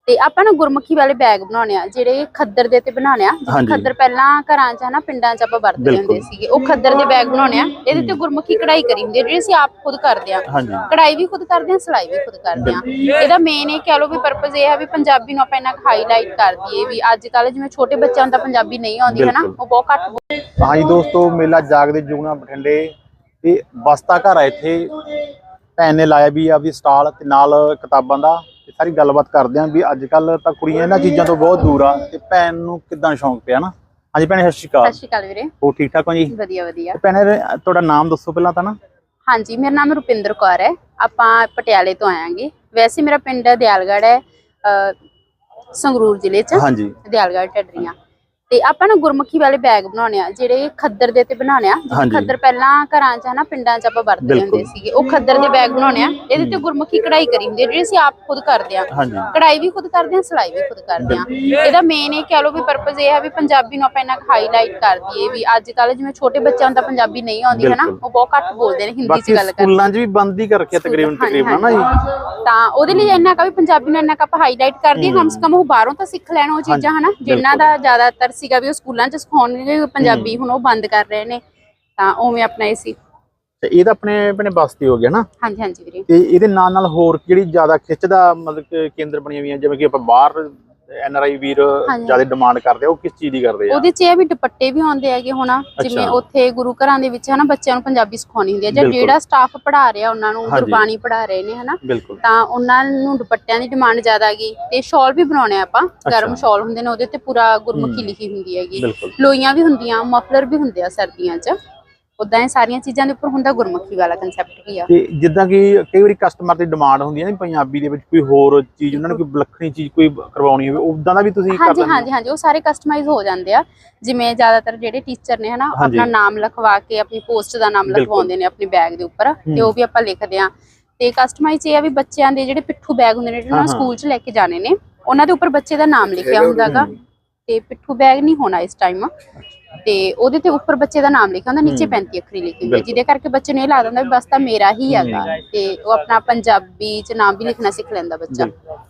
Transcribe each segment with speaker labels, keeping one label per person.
Speaker 1: ਤੇ ਆਪਾਂ ਨਾ ਗੁਰਮੁਖੀ ਵਾਲੇ ਬੈਗ ਬਣਾਉਣੇ ਆ ਜਿਹੜੇ ਖੱਦਰ ਦੇ ਤੇ ਬਣਾਉਣੇ ਆ। ਖੱਦਰ ਪਹਿਲਾਂ ਘਰਾਂ 'ਚ ਹਨਾ ਪਿੰਡਾਂ 'ਚ ਆਪਾਂ ਵਰਤਦੇ ਹੁੰਦੇ ਸੀਗੇ, ਉਹ ਖੱਦਰ ਦੇ ਬੈਗ ਬਣਾਉਣੇ ਆ। ਇਹਦੇ ਤੇ ਗੁਰਮੁਖੀ ਕਢਾਈ ਕਰੀ ਹੁੰਦੀ ਹੈ ਜਿਹੜੀ ਅਸੀਂ ਆਪ ਖੁਦ ਕਰਦੇ ਆ। ਕਢਾਈ ਵੀ ਖੁਦ ਕਰਦੇ ਆ, ਸਿਲਾਈ ਵੀ ਖੁਦ ਕਰਦੇ ਆ। ਇਹਦਾ ਮੇਨ ਇਹ ਕਹਿ ਲਓ ਵੀ ਪਰਪਸ ਇਹ ਹੈ ਵੀ ਪੰਜਾਬੀ ਨੂੰ ਆਪਾਂ ਇੰਨਾ ਹਾਈਲਾਈਟ ਕਰ ਦਈਏ ਵੀ ਅੱਜ ਕੱਲ ਜਿਵੇਂ ਛੋਟੇ ਬੱਚਿਆਂ ਨੂੰ ਤਾਂ ਪੰਜਾਬੀ ਨਹੀਂ ਆਉਂਦੀ ਹੈ ਨਾ, ਉਹ ਬਹੁਤ ਘੱਟ।
Speaker 2: ਹਾਂਜੀ ਦੋਸਤੋ, ਮੇਲਾ ਜਾਗਦੇ ਜੁਗਨਾ ਬਠਿੰਡੇ ਤੇ ਬਸਤਾ ਘਰ ਆ। ਇੱਥੇ ਭੈਣ ਨੇ ਲਾਇਆ ਵੀ ਆਪਦੀ ਸਟਾਲ ਤੇ ਨਾਲ ਕਿਤਾਬਾਂ ਦਾ। ਸਾਰੀ ਗੱਲਬਾਤ ਕਰਦੇ ਆਂ ਵੀ ਅੱਜ ਕੱਲ ਤਾਂ ਕੁੜੀਆਂ ਇਹਨਾਂ ਚੀਜ਼ਾਂ ਤੋਂ ਬਹੁਤ ਦੂਰ ਆ ਤੇ ਭੈਣ ਨੂੰ ਕਿੱਦਾਂ ਸ਼ੌਂਕ ਪਿਆ ਨਾ। ਹਾਂਜੀ ਭੈਣੇ, ਸਤਿ ਸ਼੍ਰੀ ਅਕਾਲ।
Speaker 1: ਸਤਿ ਸ਼੍ਰੀ ਅਕਾਲ ਵੀਰੇ।
Speaker 2: ਹੋਰ ਠੀਕ ਠਾਕ ਹੋ ਜੀ?
Speaker 1: ਵਧੀਆ ਵਧੀਆ।
Speaker 2: ਭੈਣੇ ਤੁਹਾਡਾ ਨਾਮ ਦੱਸੋ ਪਹਿਲਾਂ ਤਾਂ ਨਾ।
Speaker 1: ਹਾਂਜੀ, ਮੇਰਾ ਨਾਮ ਰੁਪਿੰਦਰ ਕੌਰ ਹੈ। ਆਪਾਂ ਪਟਿਆਲੇ ਤੋਂ ਆਇਆਂਗੇ। ਵੈਸੇ ਮੇਰਾ ਪਿੰਡ ਦਿਆਲਗੜ੍ਹ ਹੈ, ਸੰਗਰੂਰ ਜ਼ਿਲ੍ਹੇ 'ਚ।
Speaker 2: ਹਾਂਜੀ,
Speaker 1: ਦਿਆਲਗੜ੍ਹ ਢੱਡਰੀਆਂ। ਤੇ ਆਪਾਂ ਨਾ ਗੁਰਮੁਖੀ ਵਾਲੇ ਬੈਗ ਬਣਾਉਣੇ ਆ ਜਿਹੜੇ ਖੱਦਰ ਦੇ ਤੇ ਬਣਾਉਣੇ ਆ। ਖੱਦਰ ਪਹਿਲਾਂ ਘਰਾਂ 'ਚ ਹਨਾ ਪਿੰਡਾਂ 'ਚ ਆਪਾਂ ਵਰਤਦੇ ਹੁੰਦੇ ਸੀਗੇ, ਉਹ ਖੱਦਰ ਦੇ ਬੈਗ ਬਣਾਉਣੇ ਆ। ਇਹਦੇ ਤੇ ਗੁਰਮੁਖੀ ਕਢਾਈ ਕਰੀ ਹੁੰਦੀ ਹੈ ਜਿਹੜੀ ਅਸੀਂ ਆਪ ਖੁਦ ਕਰਦੇ ਆ। ਕਢਾਈ ਵੀ ਖੁਦ ਕਰਦੇ ਆ, ਸਿਲਾਈ ਵੀ ਖੁਦ ਕਰਦੇ ਆ। ਇਹਦਾ ਮੇਨ ਇਹ ਕਹਿ ਲਓ ਵੀ ਪਰਪਸ ਇਹ ਹੈ ਵੀ ਪੰਜਾਬੀ ਨੂੰ ਆਪਾਂ ਇੰਨਾ ਹਾਈਲਾਈਟ ਕਰ ਦਈਏ ਵੀ ਅੱਜ ਕੱਲ ਜਿਵੇਂ ਛੋਟੇ ਬੱਚਿਆਂ ਨੂੰ ਤਾਂ ਪੰਜਾਬੀ ਨਹੀਂ ਆਉਂਦੀ ਹਨਾ, ਉਹ ਬਹੁਤ ਘੱਟ ਬੋਲਦੇ ਨੇ, ਹਿੰਦੀ 'ਚ ਗੱਲ ਕਰਦੇ।
Speaker 2: ਸਕੂਲਾਂ 'ਚ ਵੀ ਬੰਦ ਹੀ ਕਰ ਰੱਖਿਆ ਤਕਰੀਬਨ ਨਾ ਜੀ।
Speaker 1: ਤਾਂ ਉਹਦੇ ਲਈ ਇੰਨਾ ਕਾ ਵੀ ਪੰਜਾਬੀ ਨੂੰ ਇੰਨਾ ਕ ਆਪਾਂ ਹਾਈਲਾਈਟ ਕਰ ਦਈਏ, ਕਮ ਸੇ ਕਮ ਉਹ ਬਾਹਰੋਂ ਤਾਂ ਸਿੱਖ ਲੈਣ ਉਹ ਚੀਜ਼ਾਂ ਹਨਾ, ਜਿਨ੍ਹਾਂ ਦਾ ਜ਼ਿਆਦਾਤਰ ਸੀਗਾ ਵੀ ਉਹ ਸਕੂਲਾਂ 'ਚ ਸਿਖਾਉਣਗੇ ਪੰਜਾਬੀ, ਹੁਣ ਉਹ ਬੰਦ ਕਰ ਰਹੇ ਨੇ। ਤਾਂ ਉਵੇਂ ਆਪਣਾ ਇਹ ਸੀ।
Speaker 2: ਤੇ ਇਹ ਤਾਂ ਆਪਣੇ ਬਸਤੀ ਹੋ ਗਿਆ ਨਾ।
Speaker 1: ਹਾਂਜੀ ਹਾਂਜੀ ਵੀਰੇ।
Speaker 2: ਤੇ ਇਹਦੇ ਨਾਲ ਹੋਰ ਕਿਹੜੀ ਜ਼ਿਆਦਾ ਖਿੱਚਦਾ ਮਤਲਬ ਕਿ ਕੇਂਦਰ ਬਣੀਆਂ ਹੋਈਆਂ, ਜਿਵੇਂ ਕਿ ਆਪਾਂ ਬਾਹਰ NRI ਵੀਰ ਜ਼ਿਆਦਾ ਡਿਮਾਂਡ ਕਰਦੇ ਆ, ਉਹ ਕਿਸ ਚੀਜ਼ ਦੀ ਕਰਦੇ ਆ? ਉਹਦੇ 'ਚ
Speaker 1: ਇਹ ਵੀ ਦੁਪੱਟੇ ਵੀ ਆਉਂਦੇ ਹੈਗੇ ਹੁਣ, ਜਿਵੇਂ ਉੱਥੇ ਗੁਰੂ ਘਰਾਂ ਦੇ ਵਿੱਚ ਹਨਾ ਬੱਚਿਆਂ ਨੂੰ ਪੰਜਾਬੀ ਸਿਖਾਉਣੀ ਹੁੰਦੀ ਹੈ, ਜਾਂ ਜਿਹੜਾ ਸਟਾਫ ਪੜ੍ਹਾ ਰਿਹਾ ਉਹਨਾਂ ਨੂੰ ਗੁਰਬਾਣੀ ਪੜ੍ਹਾ ਰਹੇ ਨੇ ਹਨਾ, ਤਾਂ ਉਹਨਾਂ ਨੂੰ ਦੁਪੱਟਿਆਂ ਦੀ ਡਿਮਾਂਡ ਜ਼ਿਆਦਾ ਹੈਗੀ। ਤੇ ਸ਼ਾਲ ਵੀ ਬਣਾਉਣੇ ਆਪਾਂ, ਗਰਮ ਸ਼ਾਲ ਹੁੰਦੇ ਨੇ, ਉਹਦੇ ਤੇ ਪੂਰਾ ਗੁਰਮੁਖੀ ਲਿਖੀ ਹੁੰਦੀ ਹੈਗੀ। ਲੋਈਆਂ ਵੀ ਹੁੰਦੀਆਂ, ਮਫਲਰ ਵੀ ਹੁੰਦੇ ਆ ਸਰਦੀਆਂ 'ਚ। ਉਦਾਂ ਇਹ ਸਾਰੀਆਂ ਚੀਜ਼ਾਂ ਦੇ ਉੱਪਰ ਹੁੰਦਾ ਗੁਰਮੁਖੀ ਵਾਲਾ ਕਨਸੈਪਟ ਕੀ ਆ।
Speaker 2: ਤੇ ਜਿੱਦਾਂ ਕਿ ਕਈ ਵਾਰੀ ਕਸਟਮਰ ਦੀ ਡਿਮਾਂਡ ਹੁੰਦੀ ਹੈ ਨਾ ਪੰਜਾਬੀ ਦੇ ਵਿੱਚ ਕੋਈ ਹੋਰ ਚੀਜ਼, ਉਹਨਾਂ ਨੂੰ ਕੋਈ ਵਿਲੱਖਣੀ ਚੀਜ਼ ਕੋਈ ਕਰਵਾਉਣੀ ਹੋਵੇ, ਉਦਾਂ ਦਾ ਵੀ ਤੁਸੀਂ ਕਰ ਦਿੰਦੇ ਹੋ?
Speaker 1: ਹਾਂਜੀ, ਉਹ ਸਾਰੇ ਕਸਟਮਾਈਜ਼ ਹੋ ਜਾਂਦੇ ਆ। ਜਿਵੇਂ ਜ਼ਿਆਦਾਤਰ ਜਿਹੜੇ ਟੀਚਰ ਨੇ ਹਨਾ, ਆਪਣਾ ਨਾਮ ਲਿਖਵਾ ਕੇ ਆਪਣੀ ਪੋਸਟ ਦਾ ਨਾਮ ਲਿਖਵਾਉਂਦੇ ਨੇ ਆਪਣੇ ਬੈਗ ਦੇ ਉੱਪਰ, ਤੇ ਉਹ ਵੀ ਆਪਾਂ ਲਿਖਦੇ ਆ। ਤੇ ਕਸਟਮਾਈਜ਼ ਇਹ ਆ ਵੀ ਬੱਚਿਆਂ ਦੇ ਜਿਹੜੇ ਪਿੱਠੂ ਬੈਗ ਹੁੰਦੇ ਨੇ ਜਿਹੜੇ ਉਹਨਾਂ ਸਕੂਲ 'ਚ ਲੈ ਕੇ ਜਾਣੇ ਨੇ, ਉਹਨਾਂ ਦੇ ਉੱਪਰ ਬੱਚੇ ਦਾ ਨਾਮ ਲਿਖਿਆ ਹੁੰਦਾ ਗਾ। ਤੇ ਪਿੱਠੂ ਬੈਗ ਨਹੀਂ ਹੋਣਾ ਇਸ ਟਾਈਮ, ਤੇ ਉਹਦੇ ਤੇ ਉੱਪਰ ਬੱਚੇ ਦਾ ਨਾਮ ਲਿਖਿਆ ਹੁੰਦਾ, ਨੀਚੇ 35 ਅੱਖਰੀ ਲਿਖੀ ਹੁੰਦੀ, ਜਿਹਦੇ ਕਰਕੇ ਬੱਚੇ ਨੂੰ ਇਹ ਲੱਗਦਾ ਹੁੰਦਾ ਵੀ ਬਸ ਤਾਂ ਮੇਰਾ ਹੀ ਹੈਗਾ। ਤੇ ਉਹ ਆਪਣਾ ਪੰਜਾਬੀ 'ਚ ਨਾਮ ਵੀ ਲਿਖਣਾ ਸਿੱਖ ਲੈਂਦਾ ਬੱਚਾ।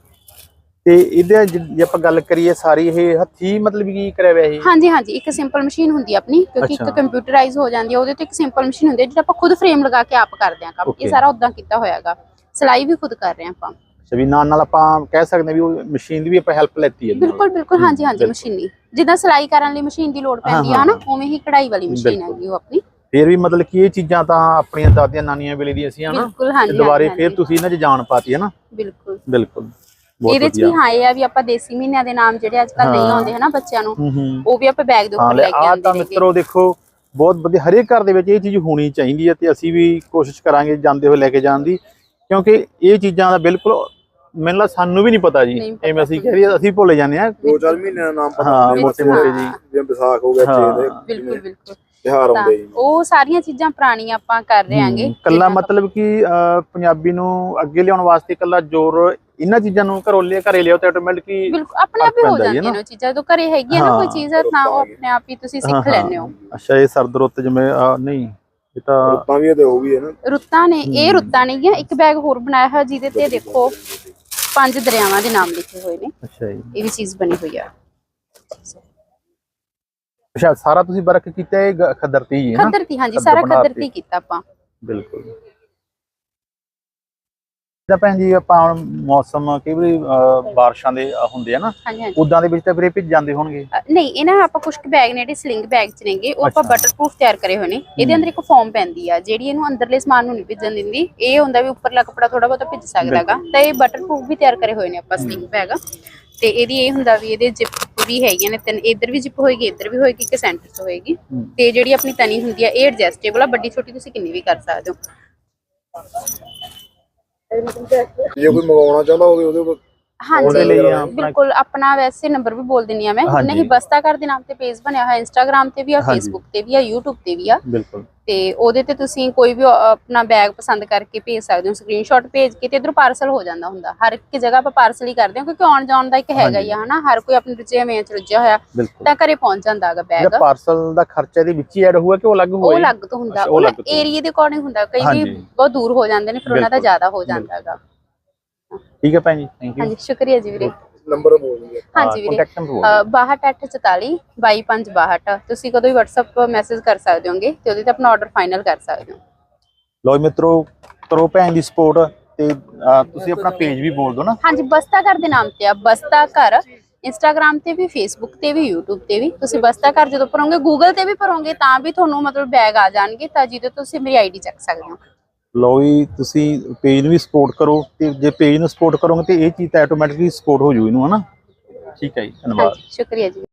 Speaker 2: ਤੇ ਇਹਦੇ ਜੇ ਆਪਾਂ ਗੱਲ ਕਰੀਏ ਸਾਰੀ ਇਹ ਹੱਥੀ ਮਤਲਬ ਕੀ ਕਰਿਆ ਹੋਇਆ ਇਹ?
Speaker 1: ਹਾਂਜੀ ਹਾਂਜੀ, ਇੱਕ ਸਿੰਪਲ ਮਸ਼ੀਨ ਹੁੰਦੀ ਆ ਆਪਣੀ, ਕਿਉਂਕਿ ਇੱਕ ਕੰਪਿਊਟਰਾਈਜ਼ ਹੋ ਜਾਂਦੀ ਹੈ। ਉਹਦੇ ਤੇ ਇੱਕ ਸਿੰਪਲ ਮਸ਼ੀਨ ਹੁੰਦੀ ਹੈ ਜਿਹੜਾ ਆਪਾਂ ਖੁਦ ਫਰੇਮ ਲਗਾ ਕੇ ਆਪ ਕਰਦੇ ਆ ਕੰਮ। ਇਹ ਸਾਰਾ ਉਦਾਂ ਕੀਤਾ ਹੋਇਆਗਾ। ਸਿਲਾਈ ਵੀ ਖੁਦ ਕਰ ਰਹੇ ਆ ਆਪਾਂ।
Speaker 2: ਵੀ ਨਾਲ ਆਪਾਂ ਕਹਿ ਸਕਦੇ ਵੀ ਉਹ ਮਸ਼ੀਨ ਦੀ ਵੀ ਆਪਾਂ ਹੈਲਪ ਲੈਤੀ ਹੈ?
Speaker 1: ਬਿਲਕੁਲ ਬਿਲਕੁਲ, ਹਾਂਜੀ ਹਾਂਜੀ। ਮਸ਼ੀਨੀ ਜਿੱਦਾਂ ਸਿਲਾਈ ਕਰਨ ਲਈ ਮਸ਼ੀਨ ਦੀ ਲੋੜ ਪੈਂਦੀ ਆ ਹਨਾ, ਉਵੇਂ ਹੀ ਕਢਾਈ ਵਾਲੀ ਮਸ਼ੀਨ ਹੈਗੀ ਉਹ ਆਪਣੀ।
Speaker 2: ਫੇਰ ਵੀ ਮਤਲਬ ਕਿ ਇਹ ਚੀਜ਼ਾਂ ਤਾਂ ਆਪਣੀਆਂ ਦਾਦੀਆਂ ਨਾਨੀਆਂ ਵੇਲੇ ਦੀਆਂ ਸੀ ਹਨਾ, ਦੁਬਾਰੇ ਫੇਰ ਤੁਸੀਂ ਇਹਨਾਂ 'ਚ ਜਾਣ ਪਾਤੀ ਹੈ ਨਾ। ਬਿਲਕੁਲ ਬਿਲਕੁਲ।
Speaker 1: ਇਹਦੇ 'ਚ ਵੀ ਹਾਂ ਇਹ ਆ ਵੀ ਆਪਾਂ ਦੇਸੀ ਮਹੀਨਿਆਂ ਦੇ ਨਾਮ ਜਿਹੜੇ ਅੱਜ ਕੱਲ ਨਹੀਂ ਆਉਂਦੇ ਹਨਾ ਬੱਚਿਆਂ ਨੂੰ, ਉਹ ਵੀ ਆਪਾਂ ਬੈਗ ਦੇ ਉੱਪਰ ਲੈ ਕੇ ਆਉਂਦੇ ਨੇ।
Speaker 2: ਮਿੱਤਰੋ ਦੇਖੋ, ਬਹੁਤ ਵਧੀਆ, ਹਰੇਕ ਘਰ ਦੇ ਵਿੱਚ ਇਹ ਚੀਜ਼ ਹੋਣੀ ਚਾਹੀਦੀ ਹੈ ਤੇ ਅਸੀਂ ਵੀ ਕੋਸ਼ਿਸ਼ ਕਰਾਂਗੇ ਜਾਂਦੇ ਹੋਏ ਲੈ ਕੇ ਜਾਣ ਦੀ, ਕਿਉਂਕਿ ਇਹ ਚੀਜ਼ਾਂ ਦਾ ਬਿਲਕੁਲ ਮੈਨੂੰ ਲੱਗਦਾ ਸਾਨੂੰ ਵੀ ਨਹੀਂ ਪਤਾ ਜੀ। ਐਵੇਂ ਅਸੀਂ ਕਹਿ ਰਹੀ, ਅਸੀਂ ਭੁੱਲ ਜਾਂਦੇ ਆ
Speaker 3: 2-4 ਮਹੀਨਿਆਂ ਦਾ ਨਾਮ ਪਤਾ।
Speaker 2: ਹਾਂ, ਮੋਟੇ ਮੋਟੇ ਜੀ,
Speaker 3: ਜਿਵੇਂ ਵਿਸਾਖ ਹੋ ਗਿਆ,
Speaker 1: ਬਿਲਕੁਲ ਬਿਲਕੁਲ
Speaker 3: ਤਿਉਹਾਰ ਆਉਂਦੇ ਜੀ,
Speaker 1: ਉਹ ਸਾਰੀਆਂ ਚੀਜ਼ਾਂ ਪੁਰਾਣੀਆਂ ਆਪਾਂ ਕਰ ਰਹੇ ਆਂਗੇ।
Speaker 2: ਕੱਲਾ ਮਤਲਬ ਕਿ ਪੰਜਾਬੀ ਨੂੰ ਅੱਗੇ ਲਿਆਉਣ ਵਾਸਤੇ ਕੱਲਾ ਜ਼ੋਰ ਇਹਨਾਂ ਚੀਜ਼ਾਂ ਨੂੰ ਘਰੇ ਲਿਆਓ ਤੇ ਆਟੋਮੈਟਿਕਲੀ
Speaker 1: ਬਿਲਕੁਲ ਆਪਣੇ ਆਪ ਹੀ ਹੋ ਜਾਂਦੀਆਂ ਨੇ ਉਹ ਚੀਜ਼ਾਂ। ਜਦੋਂ ਘਰੇ ਹੈਗੀ ਨਾ ਕੋਈ ਚੀਜ਼, ਤਾਂ ਉਹ ਆਪਣੇ ਆਪ ਹੀ ਤੁਸੀਂ ਸਿੱਖ ਲੈਂਦੇ ਹੋ।
Speaker 2: ਅੱਛਾ, ਇਹ ਸਰਦ ਰੁੱਤ ਜਿਵੇਂ ਨਹੀਂ, ਇਹ ਤਾਂ
Speaker 3: ਰੁੱਤਾਂ ਵੀ ਤੇ ਉਹ ਵੀ ਹੈ ਨਾ,
Speaker 1: ਰੁੱਤਾਂ ਨੇ। ਇਹ ਰੁੱਤਾਂ ਨਹੀਂ ਗਿਆ। ਇੱਕ ਬੈਗ ਹੋਰ ਬਣਾਇਆ ਹੋਇਆ ਜਿਹਦੇ ਤੇ ਦੇਖੋ 5 ਦਰਿਆਵਾਂ ਦੇ ਨਾਮ ਲਿਖੇ ਹੋਏ ਨੇ।
Speaker 2: ਅੱਛਾ ਜੀ,
Speaker 1: ਇਹ ਵੀ ਚੀਜ਼ ਬਣੀ ਹੋਈ ਆ।
Speaker 2: ਅੱਛਾ, ਸਾਰਾ ਤੁਸੀਂ ਵਰਕ ਕੀਤਾ ਇਹ ਖੱਦਰ ਤੇ ਹੀ ਹੈ ਨਾ?
Speaker 1: ਖੱਦਰ ਤੇ, ਹਾਂਜੀ, ਸਾਰਾ ਖੱਦਰ ਤੇ ਕੀਤਾ ਆਪਾਂ।
Speaker 2: ਬਿਲਕੁਲ। ਜਿੱਦਾਂ ਭੈਣ ਜੀ ਆਪਾਂ ਮੌਸਮ ਕਈ ਵਾਰੀ ਬਾਰਿਸ਼ਾਂ ਦੇ ਹੁੰਦੇ ਆ ਨਾ, ਉਦਾਂ ਦੇ ਵਿੱਚ ਤਾਂ ਵੀਰੇ ਭਿੱਜ ਜਾਂਦੇ ਹੋਣਗੇ?
Speaker 1: ਨਹੀਂ, ਇਹ ਨਾ ਆਪਾਂ ਕੁਝ ਬੈਗ ਨੇ ਜਿਹੜੇ ਸਲਿੰਗ ਬੈਗ 'ਚ ਨੇਗੇ, ਉਹ ਆਪਾਂ ਬਟਰਪ੍ਰੂਫ ਤਿਆਰ ਕਰੇ ਹੋਏ ਨੇ। ਇਹਦੇ ਅੰਦਰ ਇੱਕ ਫੋਮ ਪੈਂਦੀ ਆ ਜਿਹੜੀ ਇਹਨੂੰ ਅੰਦਰਲੇ ਸਮਾਨ ਨੂੰ ਨਹੀਂ ਭਿੱਜਣ ਦਿੰਦੀ। ਇਹ ਹੁੰਦਾ ਵੀ ਉੱਪਰਲਾ ਕੱਪੜਾ ਥੋੜਾ ਬਹੁਤਾ ਭਿੱਜ ਸਕਦਾਗਾ, ਤਾਂ ਇਹ ਬਟਰਪ੍ਰੂਫ ਵੀ ਤਿਆਰ ਕਰੇ ਹੋਏ ਨੇ ਆਪਾਂ ਸਲਿੰਗ ਬੈਗ। ਤੇ ਇਹਦੀ ਇਹ ਹੁੰਦਾ ਵੀ ਇਹਦੇ ਜਿਪ ਵੀ ਹੈਗੀਆਂ ਨੇ 3, ਇੱਧਰ ਵੀ ਜਿਪ ਹੋਏਗੀ, ਇੱਧਰ ਵੀ ਹੋਏਗੀ, ਇੱਕ ਸੈਂਟਰ 'ਚ ਹੋਏਗੀ। ਤੇ ਜਿਹੜੀ ਆਪਣੀ ਤਣੀ ਹੁੰਦੀ ਆ ਇਹ ਐਡਜਸਟੇਬਲ ਆ, ਵੱਡੀ ਛੋਟੀ ਤੁਸੀਂ ਕਿੰਨੀ ਵੀ ਕਰ ਸਕਦੇ ਹੋ।
Speaker 3: ਜੇ ਕੋਈ ਮੰਗਵਾਉਣਾ ਚਾਹੁੰਦਾ ਹੋਵੇ ਉਹਦੇ
Speaker 1: ਹਾਂਜੀ ਬਿਲਕੁਲ। ਆਪਣਾ ਵੈਸੇ ਨੰਬਰ ਵੀ ਬੋਲ ਦਿੰਨੀ ਆ ਮੈਂ, ਨਹੀਂ ਬਸਤਾ ਘਰ ਦੇ ਨਾਮ ਤੇ ਪੇਜ ਬਣਿਆ ਹੋਇਆ, ਇੰਸਟਾਗ੍ਰਾਮ ਤੇ ਵੀ ਆ, ਫੇਸਬੁੱਕ ਤੇ ਵੀ ਆ, YouTube ਤੇ ਵੀ ਆ।
Speaker 2: ਬਿਲਕੁਲ।
Speaker 1: ਤੇ ਉਹਦੇ ਤੇ ਤੁਸੀਂ ਕੋਈ ਵੀ ਆਪਣਾ ਬੈਗ ਪਸੰਦ ਕਰਕੇ ਭੇਜ ਸਕਦੇ ਹੋ, ਸਕਰੀਨਸ਼ਾਟ ਭੇਜ ਕੇ, ਤੇ ਇਧਰੋਂ ਪਾਰਸਲ ਹੋ ਜਾਂਦਾ ਹੁੰਦਾ। ਹਰ ਇੱਕ ਜਗ੍ਹਾ ਆਪਾਂ ਪਾਰਸਲ ਹੀ ਕਰਦੇ ਹਾਂ, ਕਿਉਂਕਿ ਆਉਣ ਜਾਣ ਦਾ ਇੱਕ ਹੈਗਾ ਹੀ ਆ ਹਨਾ, ਹਰ ਕੋਈ ਆਪਣੀ ਰੁਝੇਵਿਆਂ ਚ ਰੁੱਝਿਆ ਹੋਇਆ, ਤਾਂ ਘਰੇ ਪਹੁੰਚ ਜਾਂਦਾ ਹੈਗਾ ਬੈਗ।
Speaker 2: ਪਾਰਸਲ ਦਾ ਖਰਚਾ ਇਹਦੇ ਵਿੱਚ ਹੀ ਐਡ ਹੋਊਗਾ ਕਿ ਉਹ ਅਲੱਗ ਹੋਊਗਾ?
Speaker 1: ਉਹ ਅਲੱਗ ਤੋਂ ਹੁੰਦਾ, ਉਹ ਏਰੀਆ ਦੇ ਅਕੋਰਡਿੰਗ ਹੁੰਦਾ। ਕਈ ਵੀ ਬਹੁਤ ਦੂਰ ਹੋ ਜਾਂਦੇ ਨੇ, ਫਿਰ ਉਹਨਾਂ ਦਾ ਜ਼ਿਆਦਾ ਹੋ ਜਾਂਦਾ ਹੈਗਾ।
Speaker 2: ਠੀਕ ਹੈ ਭੈਣ ਜੀ, ਥੈਂਕ ਯੂ।
Speaker 1: ਹਾਂਜੀ, ਸ਼ੁਕਰੀਆ ਜੀ ਵੀਰੇ।
Speaker 3: ਨੰਬਰ ਬੋਲ ਦਿੰਦੇ
Speaker 1: ਹਾਂਜੀ ਵੀਰੇ
Speaker 2: ਕੰਟੈਕਟ ਨੰਬਰ
Speaker 1: 6244 225262 ਤੁਸੀਂ ਕਦੋਂ ਵੀ WhatsApp ਮੈਸੇਜ ਕਰ ਸਕਦੇ ਹੋਗੇ ਤੇ ਉਹਦੇ ਤੇ ਆਪਣਾ ਆਰਡਰ ਫਾਈਨਲ ਕਰ ਸਕਦੇ ਹੋ।
Speaker 2: ਲੋ ਮਿੱਤਰੋ ਕਰੋ ਭੈਣ ਦੀ ਸਪੋਰਟ ਤੇ ਤੁਸੀਂ ਆਪਣਾ ਪੇਜ ਵੀ ਬੋਲ ਦਿਓ ਨਾ।
Speaker 1: ਹਾਂਜੀ ਬਸਤਾ ਘਰ ਦੇ ਨਾਮ ਤੇ ਆ, ਬਸਤਾ ਘਰ ਇੰਸਟਾਗ੍ਰਾਮ ਤੇ ਵੀ, ਫੇਸਬੁੱਕ ਤੇ ਵੀ, YouTube ਤੇ ਵੀ। ਤੁਸੀਂ ਬਸਤਾ ਘਰ ਜਦੋਂ ਭਰੋਗੇ, ਗੂਗਲ ਤੇ ਵੀ ਭਰੋਗੇ ਤਾਂ ਵੀ ਤੁਹਾਨੂੰ ਮਤਲਬ ਬੈਗ ਆ ਜਾਣਗੇ, ਤਾਂ ਜਿਹਦੇ ਤੋਂ ਤੁਸੀਂ ਮੇਰੀ ਆਈਡੀ ਚੱਕ ਸਕਦੇ ਹੋ।
Speaker 2: ਲੋ ਜੀ ਤੁਸੀਂ ਪੇਜ ਨੂੰ ਵੀ ਸਪੋਰਟ ਕਰੋ ਤੇ ਜੇ ਪੇਜ ਨੂੰ ਸਪੋਰਟ ਕਰੋਗੇ ਤੇ ਇਹ ਚੀਜ਼ ਤਾਂ ਆਟੋਮੈਟਿਕਲੀ ਸਪੋਰਟ ਹੋ ਜੂ ਇਹਨੂੰ, ਹਨਾ। ਠੀਕ ਹੈ ਜੀ, ਧੰਨਵਾਦ।
Speaker 1: ਹਾਂਜੀ ਸ਼ੁਕਰੀਆ ਜੀ।